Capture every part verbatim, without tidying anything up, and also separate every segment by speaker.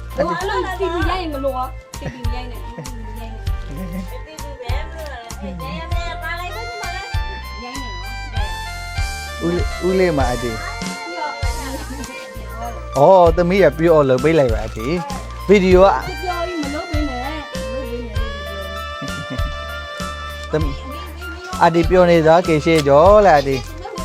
Speaker 1: အဲ့လိုတီဗီရိုက်ရင်မလို့တီဗီရိုက်နေတီဗီရိုက်နေတီဗီပဲမလို့လေနေနေပါလိုက်တော့ဒီမှာလေရိုက်နေနော်
Speaker 2: ဦးဦးလေးမှာအတီအော်သမီးရပြောလို့ပေးလိုက်ပါအတီဗီဒီယိုက
Speaker 1: ပြောပြီးမလုပ်ဘဲနဲ့မလုပ်ဘဲနဲ့
Speaker 2: သမီးအတီပြောနေတာကေရှေကျော်လားအတီ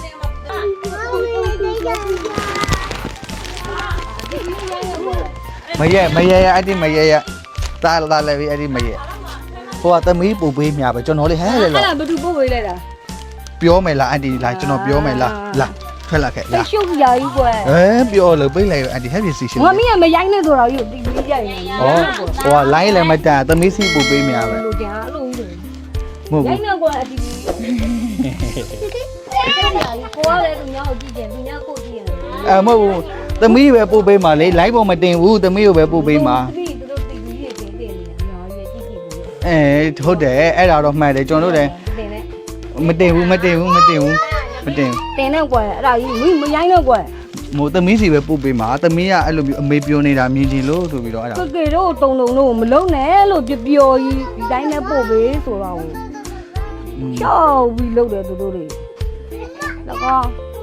Speaker 2: မရဲမရဲရအတီမရဲရတာလာလည်းပြီအတီမရဲဟိုကသမီးပူပေးမြပဲကျွန်တော်လေးဟဲလေလား
Speaker 1: အဲ့ဒါဘယ်သူပို့ပေးလိုက်တာ
Speaker 2: ပြောမယ်လားအတီလားကျွန်တော်ပြောမယ်လားလာထွက်လာခဲ့
Speaker 1: လာရှုပ်ရကြီးကွယ်
Speaker 2: ဟဲပြောလို့ပေးလိုက်အတီဟဲ့ပြည်စီရှင်
Speaker 1: ငါမင်းကမရိုင်းနေတော့ယူတီဗီရိုက်နေ
Speaker 2: ဩဟိုကလိုင်းလည်းမတန်သမီးစီပူပေးမြပဲ
Speaker 1: လို့ကြာအဲ့လိုကြီး
Speaker 2: မဟုတ်ဘူး
Speaker 1: ရိုင်းနေကွယ်အတီဗီကိုကလည်းသူများကိုကြည့်ကြသူများကိုကြည့်ရတယ်
Speaker 2: အဲမဟုတ်ဘူးသမီးပဲပို့ပေးမှာလေလိုင်းပေါ်မတင်ဘူးသမီးကိုပဲပို့ပေးမှာ
Speaker 1: သမီးတို့တီဗီတွေတင်တင်နေတာညာရဲ့ကြည့်ကြည့်ဘူး
Speaker 2: အဲဟုတ်တယ်အဲ့ဒါတော့မှန်တယ်ကျွန်တော်တို့လည်းမတင်ဘူးမတင်ဘူးမတင်ဘူးမတင်ဘူး
Speaker 1: တင်နေကွယ်အဲ့ဒါကြီးမင်းမရိုင်းတော့ကွယ်
Speaker 2: မို့သမီးစီပဲပို့ပေးမှာသမီးကအဲ့လိုမျိုးအမေပြောနေတာမြင်ချင်လို့ဆိုပြီးတော့အဲ့ဒါ
Speaker 1: ကကေတို့တုံတုံတို့မလုံးနဲ့လို့ပပျော်ကြီးဒီတိုင်းနဲ့ပို့ပေးဆိုတော့ရှောက်ပြီးလုပ်တယ်သူတို့တွေတော့ကော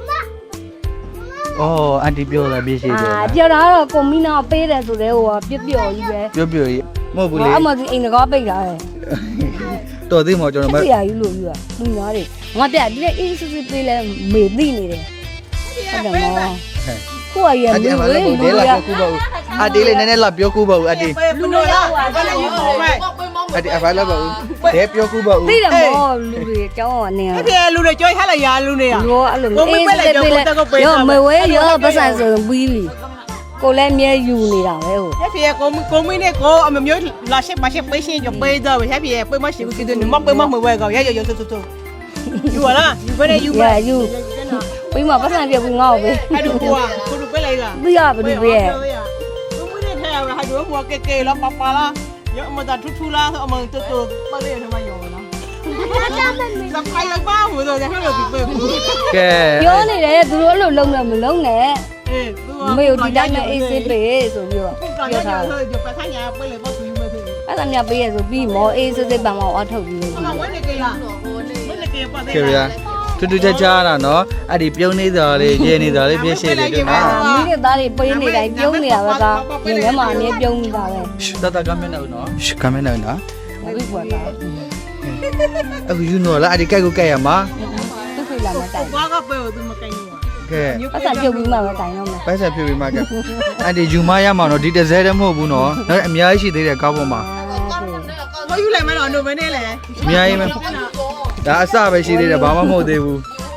Speaker 2: အော်အန်တီပြောတာပြည့်ရှိတယ်
Speaker 1: အာပြောတာကတော့ကွန်မီနာပေးတယ်ဆိုတဲ့ဟိုကပြပျော်ကြီးပဲ
Speaker 2: ပြောပြောကြီးမဟုတ်ဘူးလေ
Speaker 1: အမဒီအိမ်ကောပိတ်တာလေ
Speaker 2: တော်သေးမော်ကျွန်တော်မ
Speaker 1: ဆရာကြီးလို့ပြောလူများတွေငါပြဒီလေအေးစစ်စစ်ပေးလဲမေသိနေတယ်ဟုတ်တယ်မောကိုရရမလို့လေလူရ
Speaker 2: အတီလေးနည်းနည်းလာပြောကူပါဦးအတီ
Speaker 3: ဘယ်လိုလဲဘယ်လိုယူမလဲ
Speaker 2: အတီအဖိုင်လာပါဦးဒဲပြောကူပါဦး
Speaker 1: သိတယ်မောလူတွေအကြောင်းကနေ
Speaker 3: အဲ့ဒီလူတွေကြွိုးဟလာရလူတွေက
Speaker 1: ရောအဲ့လိုအေးစစ်ပေးလဲရောမဝဲရောပတ်စံဆိုပြီးပြီကိုလည်းမြဲယူနေတာပဲဟို
Speaker 3: ရဖေကိုကိုမင်းနဲ့ကိုအမမျိုးလာရှက်မရှိပေးရှင်ကြပေးတော့ရဖေပေးမရှိဘူးကိတဲ့မပေးမမဝဲကောရရရဆူဆူယူလာယူပဲယူပဲ
Speaker 1: ယူပြီးမှပတ်စံပြပြီးငေါ့ပဲ
Speaker 3: အဲ့ဒါကွာကိုလူပေးလိုက်က
Speaker 1: သိရဘယ်လိုပဲ
Speaker 3: ကိုမင်းနဲ့ထဲရဟာတို့မောကဲကဲလာပပလာရအမတာထူထူလာအမတူတူပလေးထမယောလားစပိုင်လိုက်ပါဘူးတော့ရဟလို့ဒီပေးဘူး
Speaker 2: ကဲ
Speaker 1: ပြောနေတယ်သူတို့အဲ့လိုလုံးနဲ့မလုံးနဲ့အေးသူကမေဒီတိုင်းနဲ့အေးစစ်ပေးဆိုပြီးတော့
Speaker 3: ပြောထားတယ်ဒီပတ်ဆိုင်ရပေးလေပေါ့သူယူမယ်သူ
Speaker 1: အဲ့ဒါများပေးရဆိုပြီးမောအေးစစ်စစ်ပန်မောအထုတ်ပြီးလို့
Speaker 3: ဟုတ်ဝဲနေကြလားဝဲနေကြပါသေး
Speaker 2: တယ်တူတူချာချာတာနော်အဲ့ဒီပြုံးနေတာလေးရေနေတာလေးပြည့်ရှည်လေးတူနော်
Speaker 1: မိတဲ့သားတွေပေးနေတိုင်းပြုံးနေတာပဲကဒီထဲမှာအမြဲပြုံးနေတာပဲ
Speaker 2: တတကမနေနော်ကမနေနော်
Speaker 1: ဘယ်ကွာတာ
Speaker 2: အခုယူနော်လားအဲ့ဒီကြိုက်ကိုကြိုက်ရမှာ
Speaker 1: သူ့ဖေးလာမတိုင်
Speaker 3: ဘာကပဲသူမကိုင်ဘူး
Speaker 2: ကဲ
Speaker 1: ပတ်စံပြုတ်ပြီးမှပဲတိုင်တော့မယ်
Speaker 2: ပတ်စံပြုတ်ပြီးမှကအဲ့ဒီယူမရမှာနော်ဒီတစ်စဲတည်းမဟုတ်ဘူးနော်နောက်အများကြီးရှိသေးတယ်ကားပေါ်မှာ
Speaker 3: ဘာယူလိုက်မလို့နိုဘယ်နဲ့လဲ
Speaker 2: အများကြီးပဲဒါအစပဲရှိသေးတယ်ဘာမှမဟုတ်သေးဘူး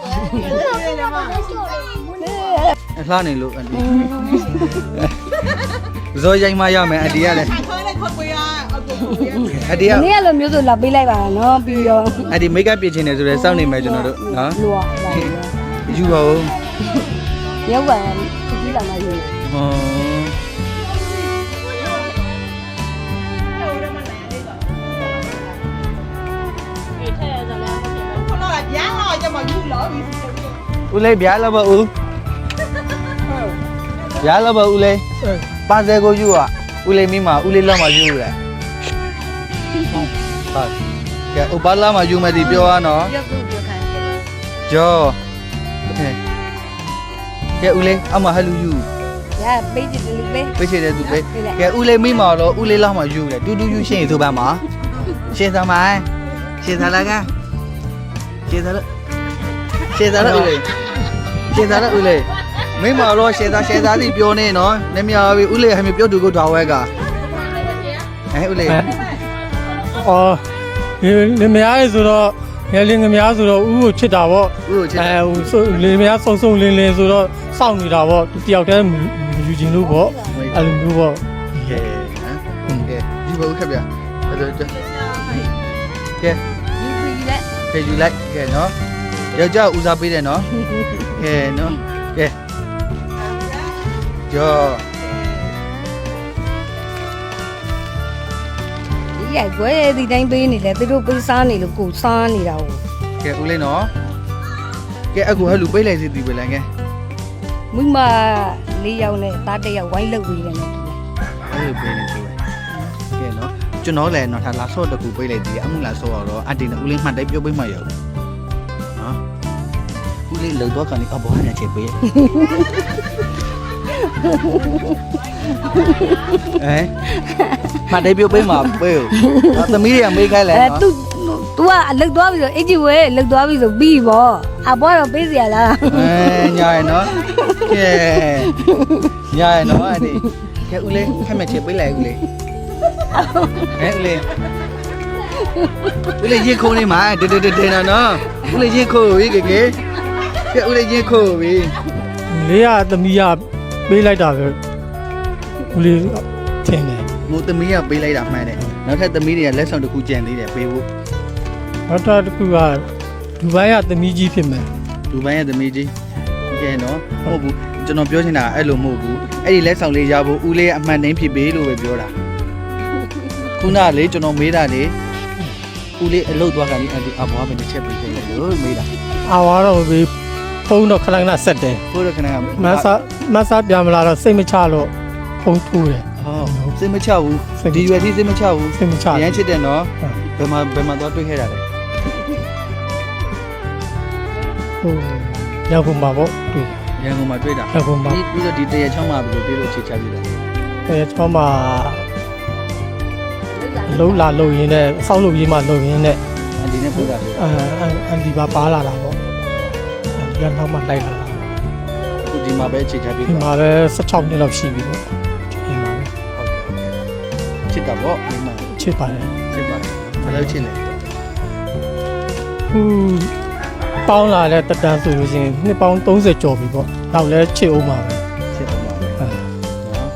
Speaker 2: လှနေလို့အန်တီဇော်ရိုင်းမရမယ်အန်တီကလည်းအန်တီက
Speaker 1: နေ့ကလိုမျိုးဆိုလာပေးလိုက်ပါနော်ပြီးတော့
Speaker 2: အန်တီမိတ်ကပ်ပြင်ချင်တယ်ဆိုတော့စောင့်နေမယ်ကျွန်တော်တို့နော်
Speaker 1: လူอ่ะ
Speaker 2: ယူပါဦး
Speaker 1: ရုပ်ပါကြည့်လာမှယူ
Speaker 2: ဟောဦးလေးဗျာလာပါဦးဗျာလာပါဦးလေးပါစဲကိုယူอ่ะဦးလေးမိမဦးလေးလောက်မှယူတယ်ဟုတ်ကဲဥပလာမှယူမယ်ဒီပြောရနော်
Speaker 1: ပြောခုပြောခိုင်း
Speaker 2: ကျော်ကဲဦးလေးအမဟလူယူ
Speaker 1: ရပေးချင်တယ်လူပေး
Speaker 2: ပေးချင်တယ်သူပေးကဲဦးလေးမိမတော့ဦးလေးလောက်မှယူတယ်တူတူယူရှင်းဆိုပါမှာရှင်းသမိုင်းရှင်းသလားကရှင်းသလားရှင်းသလားဦးလေးရှင်းသလားဦးလေးမိမတော့ရှင်းသားရှင်းသားစီပြောနေနော်နည်းများပြီဦးလေးဟမ်းပြောတူကိုတော်ဝဲကဟဲ့ဦးလေး
Speaker 4: အော်ဒီမများဆိုတော့ငယ်လေးငများဆိုတော့ဦးကိုချစ်တာပေါ့
Speaker 2: ဦးကိုချစ်
Speaker 4: အဲဟိုလင်းမများစုံစုံလင်းလင်းဆိုတော့စောင့်နေတာပေါ့တယောက်တည်းယူခြင်းလို့ပေါ့အဲ့လိုမျိုးပေါ့
Speaker 2: ကဲဟမ်ကဲယူပါဦးခက်ဗျအဲ့တော့ကဲ
Speaker 1: ယူပြီးလက်က
Speaker 2: ဲယူလိုက်ကဲနော်ယောက်ျားဦးစားပေးတယ်နော်ကဲနော်ကဲကျော်
Speaker 1: ဒီရိုက်ွယ်ဒီတိုင်းပေးနေလဲသူတို့ပေးစားနေလို့ကိုစားနေတာဟုတ်
Speaker 2: ကဲဦးလေးနော်ကဲအခုဟဲ့လူပေးလိုက်စီတီပဲလမ်းကဲ
Speaker 1: မိမလေးယောက်နဲ့သားတစ်ယောက်ဝိုင်းလုပ်ပြီးတယ်နော်
Speaker 2: အဲ့လိုပေးနေသူပဲကဲနော်ကျွန်တော်လည်းတော့ထားလာဆော့တကူပေးလိုက်သေးတယ်အမှုလာဆော့တော့အတီနဲ့ဦးလေးမှတ်တိုက်ပြုတ်ပေးမှရအောင်နော်ဦးလေးလုံတော့ကနေအဘောနဲ့ချက်ပေးအဲမှတ်တိုက်ပြုတ်ပေးမှာပေးဦးသမီးတွေကမေးခိုင်းလဲ
Speaker 1: အဲ
Speaker 2: နော်
Speaker 1: तू तू ကအလုတ်သွားပြီဆိုအင်ဂျီဝဲလုတ်သွားပြီဆိုပြီးပေါ့အဘောတော့ပေးစီရလား
Speaker 2: အဲညာရနော်ကဲညာရနော်အဲ့ဒီကဲဦးလေးခက်မဲ့ချက်ပေးလိုက်ဦးလေးအဲဦးလေးဦးလေးရင်ခုံးနေမှာတေတေတေတေနော်ဦးလေးရင်ခုံးပြီကဲကဲကဲဦးလေးရင်ခုံးပြီ
Speaker 4: လေးရသမီးရပေးလိုက်တာပဲဦးလေးထင်တယ်
Speaker 2: မိုးသမီးကပေးလိုက်တာမှန်တယ်နောက်ထပ်သမီးတွေကလက်ဆောင်တစ်ခုကြံသေးတယ်ပေးဖို့
Speaker 4: နောက်တစ်ခုကဒူဘိုင်းကသမီးကြီးဖြစ်မယ်
Speaker 2: ဒူဘိုင်းရဲ့သမီးကြီးကဲနော်မဟုတ်ဘူးကျွန်တော်ပြောချင်တာအဲ့လိုမဟုတ်ဘူးအဲ့ဒီလက်ဆောင်လေးရဖို့ဦးလေးအမှန်တိုင်းဖြစ်ပေးလို့ပဲပြောတာခုနကလေကျွန်တော်မေးတာလေဦးလေးအလုတ်သွားကန်ဒီအဘွားပဲတစ်ချက်ပေးခဲ့တယ်လို့မေးတာ
Speaker 4: အာဝါတော့ဘေးဖုန်းတော့ခဏခဏဆက်တယ်
Speaker 2: ကိုရခဏက
Speaker 4: မဆာမဆာပြန်မလာတော့စိတ်မချလို့ဖုန်းထိုးတယ်
Speaker 2: ဟောစိတ်မချဘူးဒီရွယ်ထိစိတ်မချဘူး
Speaker 4: စိတ်မချ
Speaker 2: ရမ်းချစ်တယ်နော်ဘယ်မှာဘယ်မှာသွားတွေ့ခဲ့တာလဲ
Speaker 4: ဟိုရောက်ကုန်ပါပေါ့တွေ့
Speaker 2: ရန်ကုန်မှာတွေ့တာ
Speaker 4: ရောက်ကုန်ပါ
Speaker 2: ပြီးပြီးတော့ဒီတရချောင်းမှာဘယ်လိုတွေ့လို့ချစ်ချပြီးလဲ
Speaker 4: အဲချောင်းမှာလုံးလာလုံရင်းနဲ့ဆောက်လုပ်ရေးမှလုံရင်းနဲ့
Speaker 2: အန်ဒီနဲ့တွေ့တာလေ
Speaker 4: အမ်အန်ဒီပါပါလာတာပေါ့ဒီကနောက်မှလိုက်လာတာ
Speaker 2: အခုဒီမှာပဲချစ်ချပြီး
Speaker 4: ဒီ
Speaker 2: တော့
Speaker 4: မှာပဲสิบหกနှစ်လောက်ရှိပြီပေါ့ဒီမှာပဲ
Speaker 2: ချစ်တာပေါ့ဒီမှာ
Speaker 4: ချစ်ပါတယ်
Speaker 2: ချစ်ပါတယ်ဘယ်လိုချစ်လဲ
Speaker 4: ဟူပေါင်းလာတဲ့တက်တန်းဆိုလို့ရှိရင်နှစ်ပေါင်းสามสิบကျော်ပြီပေါ့နောက်လဲချစ်အောင်ပါပဲ
Speaker 2: ချစ်တော့ပါပဲ
Speaker 4: အဲ
Speaker 2: နော်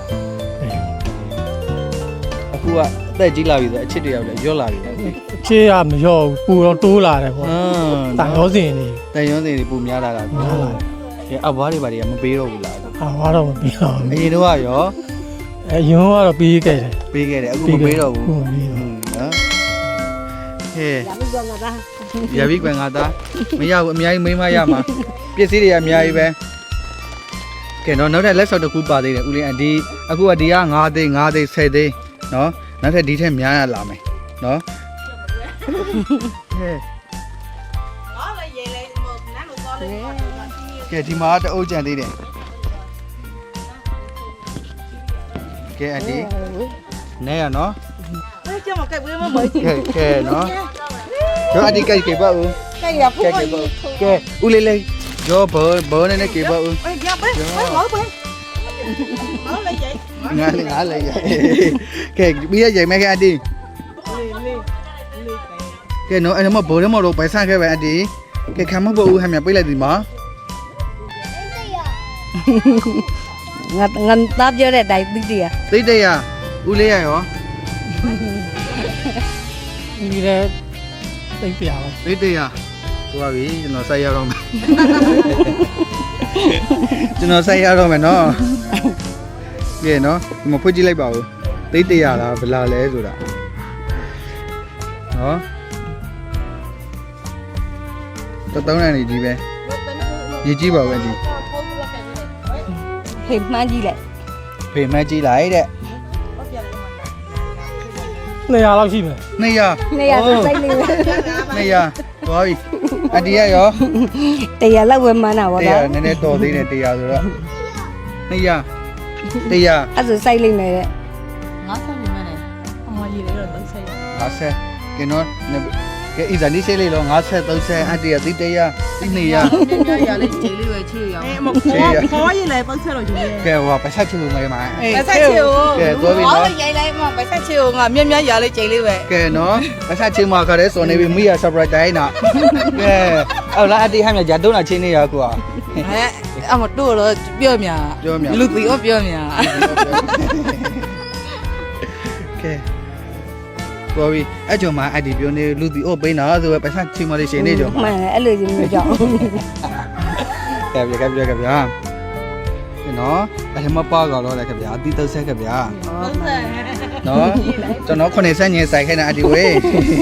Speaker 2: အခုကအသက်ကြီးလာပြီဆိုအချစ်တွေရောက်တယ်ရော့လာပြီ
Speaker 4: ချစ်ရမရော့ဘူးပူတော့တိုးလာတယ်ပေါ့
Speaker 2: ဟမ်
Speaker 4: တန်ရောစင်နေ
Speaker 2: တန်ရုံးစင်တွေပုံများလာတာ
Speaker 4: များလာတယ်
Speaker 2: ကဲအဘွားတွေဘာတွေကမပေးတော့ဘူးလား
Speaker 4: အာဝါတော့မပြီးတော့
Speaker 2: အရင်တော့ရော
Speaker 4: အဲယွန်းကတော့ပြီးခဲ့တယ်
Speaker 2: ပေးခဲ့တယ်အခုမပေးတော့ဘူး
Speaker 4: ဟုတ်ပြီ
Speaker 2: ဟွန်းနော်ဟဲ့
Speaker 1: ရပြီကွာငါသား
Speaker 2: ရပြီကွယ်ငါသားမရဘူးအများကြီးမိမရမှာပစ္စည်းတွေကအများကြီးပဲကဲတော့နောက်ထပ်လက်ဆော့တစ်ခုပါသေးတယ်ဦးလေးအဒီအခုကဒီက9သိန်း9သိန်း10သိန်းနော်နောက်ထပ်ဒီထက်များရလာမယ်နော်ဟဲ့
Speaker 3: ငါလည်းရေလေးမနန်းလို့ကောလေး
Speaker 2: ကဲဒီမှာတအုပ်ကြံသေးတယ်ကဲအဒီနဲရနော်
Speaker 3: အဲ့ကျမကဲဝေးမမေး
Speaker 2: ကဲကဲနော်ကျော်အဒီကဲကဲပါဦး
Speaker 3: ကဲရဖူး
Speaker 2: ကဲကဲပါကဲဦးလေးလေးကျော်ဘောဘောနဲ့ကဲပါဦး
Speaker 3: အေးရပဲငါငါပဲငါလည်းရေ
Speaker 2: ငါလည်းငါလည်းရကဲပြီးရရိုက်မယ်ကအဒီ
Speaker 3: လေးလေးလေးကဲ
Speaker 2: ကဲနော်အဲ့မှာဘောထဲမှာတော့ပိုင်ဆန့်ခဲ့ပဲအဒီကဲခံမဖို့ဦးဟမ်းမြပေးလိုက်ဒီမှာ
Speaker 1: ငါငါသားပြောတဲ့အတိုင်းသိတယ်
Speaker 2: သိတဲ့ရဦးလေးရရော
Speaker 4: ဒီလည်းသိပ်ပြပါ
Speaker 2: သိတဲ့ရသွားပြီကျွန်တော်ဆက်ရတော့မယ်ကျွန်တော်ဆက်ရတော့မယ်နော်ကဲနော်ဒီမှာဖွင့်ကြည့်လိုက်ပါဦးသိတဲ့ရလားဘယ်လာလဲဆိုတာနော်တော့တောင်းနေကြီးပဲရေးကြည့်ပါဦးအဒီ
Speaker 1: ဖေးမှန်းကြည့်လိုက်
Speaker 2: ဖေမကြည့်လိုက်တဲ့
Speaker 4: နှစ်ရာလောက်ရှိမယ်
Speaker 2: နှစ်ရ
Speaker 1: နေရစိတ်လေးပဲ
Speaker 2: နှစ်ရသွားပြီအဒီရရော
Speaker 1: တရားလောက်ပဲမှန်းတာဗော
Speaker 2: တ
Speaker 1: နော်
Speaker 2: ရာနည်းနည်းတော်သေးတယ်တရာဆိုတော့နှစ်ရတရာ
Speaker 1: အဲ့ဆိုစိုက်လိုက်မယ်တဲ့
Speaker 3: ငါဆက်နေမယ်အမကြီးလေးတော့သုံးဆက်ရ
Speaker 2: ငါဆက်ကဲနော်ကဲဣဇာနီဆေးလေးလောငါဆက်သုံးဆက်အတရာတိတရာတိနှစ်ရ
Speaker 3: များရလေးခြေလေးပဲခြေရအောင်အေးမခေါ်ခေါ်ရလေသုံးဆက်တော့ယူရဲ
Speaker 2: ကဲဟောပတ်ဆက်ချူမယ်မှာ
Speaker 3: ပတ်ဆက်ချေကို
Speaker 2: ကဲသွားပြီနော်
Speaker 3: ရိုက်လိုက်မှပတ်ဆက်ချေကိုငါမြက်မြက်ရလေးခြေလေးပဲ
Speaker 2: ကဲနော်ပတ်ဆက်ချူမှာခါတဲ့စော်နေပြီမိရ surprise တိုင်းနာကဲအော်လာအတီဟမ်းမြဂျာတုံးလာချင်းနေရကွာ
Speaker 3: အဲအမတို့တော့ပြောမြလူတီရောပြောမြ
Speaker 2: ကဲသွားပြီအဲ့ကြောင့်မှအတီပြောနေလူတီအိုပိန်းတာဆိုပဲပတ်ဆက်ချူမလေးရှင်နေကြောင့်
Speaker 1: မှန်တယ်အဲ့လိုကြီးမျိုးကြောင့်
Speaker 2: ကဲပြကဲပြကဲဗျာနော်အဲ့ဒီမှာပါကတော့လေခင်ဗျာအတီတုတ်ဆက်ခင်ဗျာ
Speaker 3: သုံးဆက်
Speaker 2: နော်ကျွန်တော်ခုနှစ်ဆက်ညင်ဆိုင်ခိုင်းတာအတီဝေး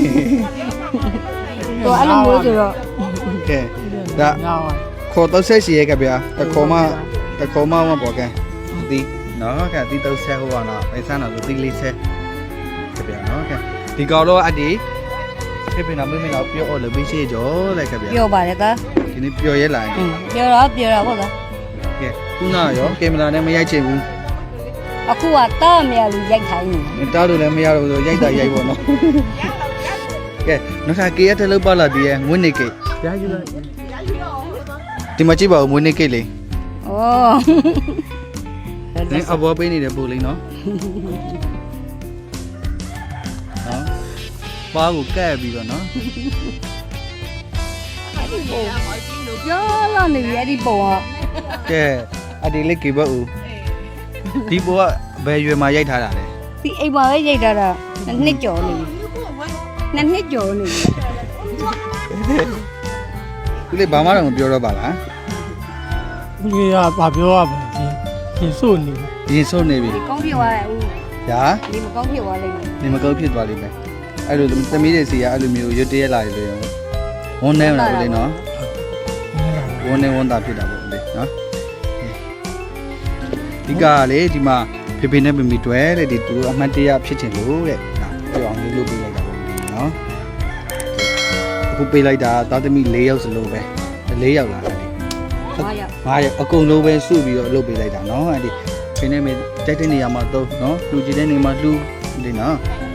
Speaker 1: တော့အဲ့လိုမျိုးဆိုတော့
Speaker 2: ကဲဒါခေါ်တော့ဆက်စီရဲခင်ဗျာတခေါ်မတခေါ်မမပေါ်ကဲဒီနော်ကဲတီတုတ်ဆက်ဟိုပါနော်ပိုင်ဆန်းတော့ဆိုတီလေးဆက်ကြပြနော်ကဲဒီကောင်တော့အဒီဖေဖေနာမင်းမင်းတော့ပြောအော်လို့ပြီးရှိကြောလိုက်ကြပြ
Speaker 1: ပြောပါတယ်က
Speaker 2: ဒီနေ့ပြောရဲလာရင်
Speaker 1: ပြောတော့ပြောတော့ဟုတ်လား
Speaker 2: ကဲခုနရောကင်မရာနဲ့မရိုက်ချင်ဘူး
Speaker 1: အခုကတားမြလူရိုက်ခိုင်းနေ
Speaker 2: တားလို့လည်းမရတော့ဘူးဆိုရိုက်တာရိုက်ပေါ့နော်ကဲနောက်ထပ်ကေရတဲ့လောက်ပါလာဒီရဲ့ငွေနေကိတ်ရယူလိုက်ဒီမှာကြည့်ပါဦးငွေနေကိတ်လေး
Speaker 1: ဩ
Speaker 2: နင်းအဘောပေးနေတယ်ပို့လေးနော်နော်ပါကိုကဲ့ပြီးတော့နော်
Speaker 1: ပြောလာနေပြီအဲ့ဒီပုံက
Speaker 2: ကဲအဒီလေးကေဘဦးဒီဘောကဘယ်ရွယ်မှာရိုက်ထားတာလဲ
Speaker 1: ဒီအိမ်မှာပဲရိုက်တာတာနှစ်ကျော်နေပြီနှစ်နှစ်ကျော်နေပြီ
Speaker 2: ဒီလေးဘာမှတော့မပြောတော့ပါလား
Speaker 4: ဦးလေးကဘာပြောရမလဲပြင်စို့နေ
Speaker 2: ရင်ဆုံးနေပြီ
Speaker 1: ဒီကောင်းဖြစ်သွားတယ်ဦး
Speaker 2: ညာ
Speaker 1: ဒီမကောင်းဖြစ်သွားလိမ့်မယ်
Speaker 2: နေမကောက်ဖြစ်သွားလိမ့်မယ်အဲ့လိုသမီးတွေစီကအဲ့လိုမျိုးရွတ်တရက်လာရလို့ဝန်းနေလားဦးလေးနော်ဝန်းနေဝန်းတာဖြစ်တာပေါ့ဦးလေးနော်ဒီကလေဒီမှာဖေဖေနဲ့မမီတွဲတဲ့ဒီသူတို့အမှတ်တရဖြစ်ချင်လို့တဲ့နော်ပြောအောင်လေးလုပ်ပေးလိုက်တာပေါ့ဦးလေးနော်အခုပေးလိုက်တာသားသမီး၄ယောက်စလုံးပဲ၄ယောက်လာတယ်
Speaker 1: ဟာရ
Speaker 2: ငါရအကုန်လုံးပဲစုပြီးတော့လုပ်ပေးလိုက်တာနော်အဲ့ဒီဖေနဲ့မေတိုက်တဲ့နေရာမှာတော့နော်လူကြည့်တဲ့နေရာမှာလူဒီနော်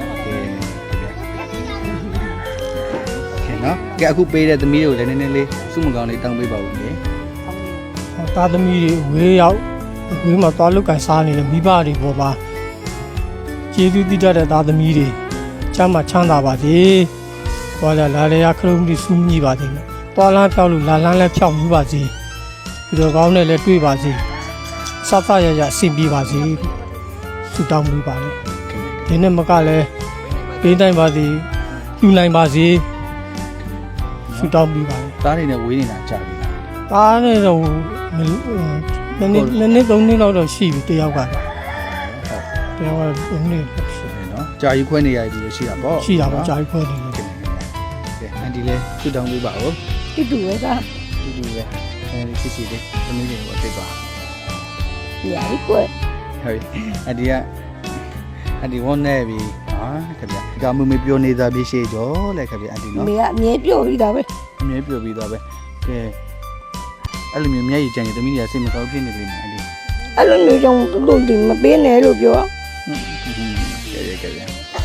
Speaker 2: ကဲနော်ကဲအခုပေးတဲ့သမီးတွေကိုလည်းနည်းနည်းလေးစုမကောင်းလေးတောင်းပေးပါဦးလေ
Speaker 4: သားသမီးတွေဝေးရောက်ဝေးမှာသွားလုတ်ကန်စားနေတဲ့မိဘတွေပေါ်မှာကျေးဇူးတည်တတ်တဲ့သားသမီးတွေချမ်းသာချမ်းသာပါစေ။သွားလာလာလေရခလုံးကြီးစူးမြည်ပါစေ။သွားလန်းဖြောက်လို့လာလန်းလည်းဖြောက်မှုပါစေ။ဒီတော့ကောင်းနဲ့လည်းတွေ့ပါစေ။စသရရအဆင်ပြေပါစေ။ဆုတောင်းပေးပါလေ။ဒီနေ့မကလည်းပေးတိုင်းပါစေ။ယူနိုင်ပါစေ။ဆုတောင်းပေးပါလေ
Speaker 2: သားတွေနဲ့ဝေးနေတာကြာပြီလား
Speaker 4: ။ဒါနဲ့တော့နည်းနည်းနည်းသုံးနှစ်လောက်တော့ရှိပြီတယောက်ကတယောက်ကသုံးနှစ်ရှိ
Speaker 2: နော်ကြာယူခွဲနေရပြီရှိတာပေါ့
Speaker 4: ရှိတာပေါ့ကြာပြီခွဲနေတယ်
Speaker 2: ကဲအန်ဒီလေးစုတောင်းပေးပါဦး
Speaker 1: တူတူပဲက
Speaker 2: တူတူပဲအဲဒီစီစီလေးသမီးတွေကိုသိပါ
Speaker 1: ညာဒီကွယ်
Speaker 2: ဟုတ်အန်ဒီကအန်ဒီဝန်းနေပြီဟာခင်ဗျာဒီကမမေပြောနေတာပြရှိကြောလေခင်ဗျာအန်ဒီနော်
Speaker 1: မေကအမြဲပြောပြီးတာပဲ
Speaker 2: အမြဲပြောပြီးသွားပဲကဲအဲ့လိုမျိုးမျက်ရည်ကြံနေသမီးတွေကစိတ်မကောင်းဖြစ်နေလိမ့်မယ်အန်ဒီ
Speaker 1: အဲ့လိုမျိုးကြောင့်တူတူဒီမပေးနဲ့လို့ပြော
Speaker 2: ကဲကဲကဲ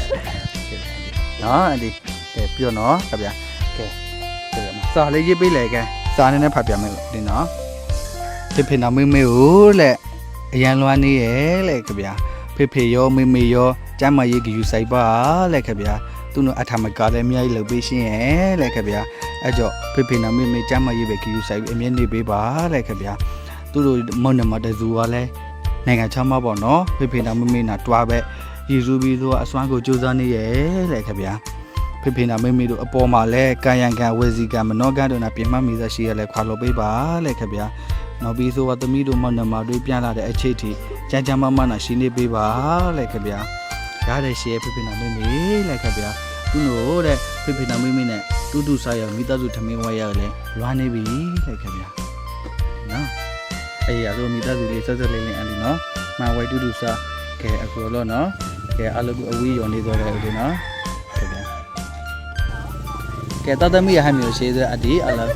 Speaker 2: နော်အန်ဒီကဲပြောနော်ခင်ဗျာကဲကဲစာလေးရေးပေးလိုက်ကဲစာနဲ့နဲ့ဖတ်ပြမယ်ဒီနော်ဖေဖေနာမေမေကိုလက်အရန်လွမ်းနေရဲ့လက်ခင်ဗျာဖေဖေရောမေမေရောကျမ်းမရေးကယူဆိုင်ပါလက်ခင်ဗျာသူတို့အထမကလည်းအများကြီးလုပ်ပေးရှင်ရဲ့လက်ခင်ဗျာအဲ့ကြောင့်ဖေဖေနာမေမေကျမ်းမရေးပဲကယူဆိုင်ပြီးအမြဲနေပေးပါလက်ခင်ဗျာသူတို့မုံနမတဇူကလည်းနိုင်ငံချမ်းမပေါ့နော်ဖေဖေနာမေမေနာတွားပဲရည်စူးပြီးသူကအစွမ်းကိုစူးစမ်းနေရဲ့လက်ခင်ဗျာဖေဖေနာမေမေတို့အပေါ်မှာလဲကာယံကံဝေစီကံမနောကံတို့နာပြင်မှမိသက်ရှိရလဲခွာလို့ပေးပါလက်ခင်ဗျာနောက်ပြီးဆိုတော့သမီးတို့မနမတွေပြန်လာတဲ့အချိန်ထိကြမ်းကြမ်းမမနာရှိနေပေးပါလက်ခင်ဗျာရတဲ့ရှေ့ဖေဖေနာမေမေလက်ခင်ဗျာသူတို့တဲ့ဖေဖေနာမေမေနဲ့တူတူစားရမိသားစုထမင်းဝဲရလဲလွားနေပြီလက်ခင်ဗျာနော်အေးရတော့မိသားစုလေးဆက်ဆက်လေးလေးအန်လီနော်မဝဲတူတူစားကဲအခုတော့နော်ကဲအလုပ်အဝေးရောနေတော့တယ်ဦးလေးနော်ခင်ဗျာကဲတသမီးရဟမျိုးရှိသေးအဒီအလား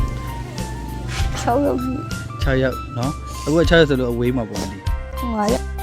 Speaker 1: ၆ရောက်ပြီ
Speaker 2: ၆ရောက်နော်အခုက၆ရောက်ဆိုလို့အဝေးမှာပေါ့ဒီ
Speaker 1: ၅ရောက်